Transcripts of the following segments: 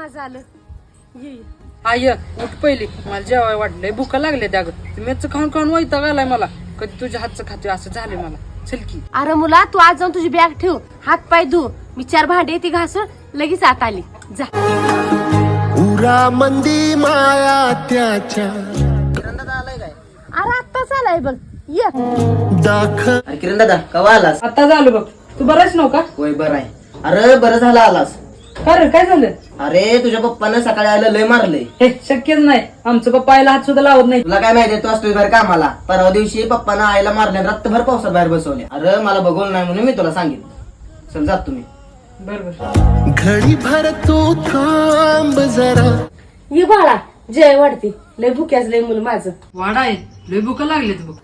माझं आलं ये आय उठ पहिली, मला जेवाय वाटलंय, भुका लागले त्या मेच खाऊन खाऊन वैताग आलाय मला. कधी तुझ्या हातचं खातोय असं झालंय मला. चल की. अरे मुला तू आज जाऊन तुझी बॅग ठेव, हात पाय धु, मी 4 भांडे ती घासून लगेच आत आली. जा. उरा मंदी माया त्याच्या अरे आत्ताच आलाय बघ. ये दाख. अरे किरण दादा कवा आलास? आता झालं बघ. तू बराच नव्हता? होय बरं आहे. अरे बरं झालं आलास. खरं काय झालं? अरे तुझ्या पप्पानं सकाळी आयला लय मारलंय. हे शक्यच नाही, आमचं पप्पा आईला हात सुद्धा लावत नाही. तुला काय माहिती, तू असतोय बाहेर कामाला. परवा दिवशी पप्पानं आईला मारल्या, रात्रभर पावसात बाहेर बसवले. अरे मला बघवलं नाही म्हणून मी तुला सांगितलं. चल जात तुम्ही. बरोबर. घडी भर तू थांब जरा. ये बाळा, जय वाढते. लय भुक्याच लय मुलं माझं. वाडा आहे, लय भुका लागलेत बघ.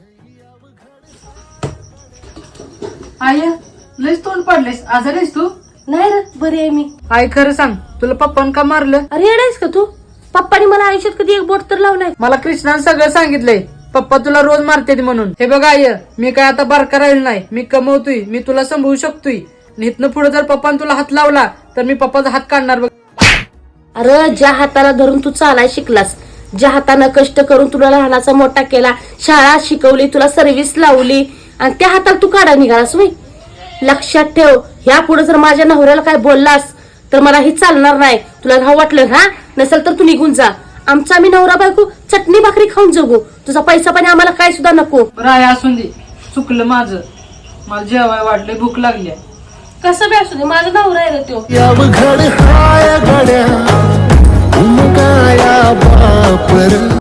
आय लयच तोंड पडलेस, आजारी आहेस तू? नाही रे, बरी आहे मी. आई खरं सांग, तुला पप्पान का मारलं? अरे येडायस का तू? पप्पानी मला आयुष्यात कधी एक बोट तर लावलाय? मला कृष्णाने सगळं सांगितलंय, पप्पा तुला रोज मारते म्हणून. हे बघ आय, मी काय आता बारका राहील नाही, मी कमवतोय, मी तुला सांभाळू शकतोय. इथनं पुढे जर पप्पान तुला हात लावला तर मी पप्पाचा हात काढणार बघ. अरे ज्या हाताला धरून तू चालाय शिकलास, ज्या हातानं कष्ट करून तुला लहानाचा मोठा केला, शाळा शिकवली, तुला सर्व्हिस लावली, आणि त्या हाताला तू काढा निघालास होय. लक्षात ठेव, ह्या पुढे जर माझ्या नवऱ्याला काय बोललास तर मला हे चालणार नाही. तुला राहू वाटलं हा, नसेल तर तू निघून जा. आमचा आम्ही नवरा बायको चटणी भाकरी खाऊन जगू. तुझा पैसा पाणी आम्हाला काय सुद्धा नको. बरं आहे, असून दे, चुकलं माझं. मला जेवाय वाटलंय, भूक लागली. कसं बी असू दे, माझा नवरा आहे तो. याव घड हाय घड्या उमगाया बापर.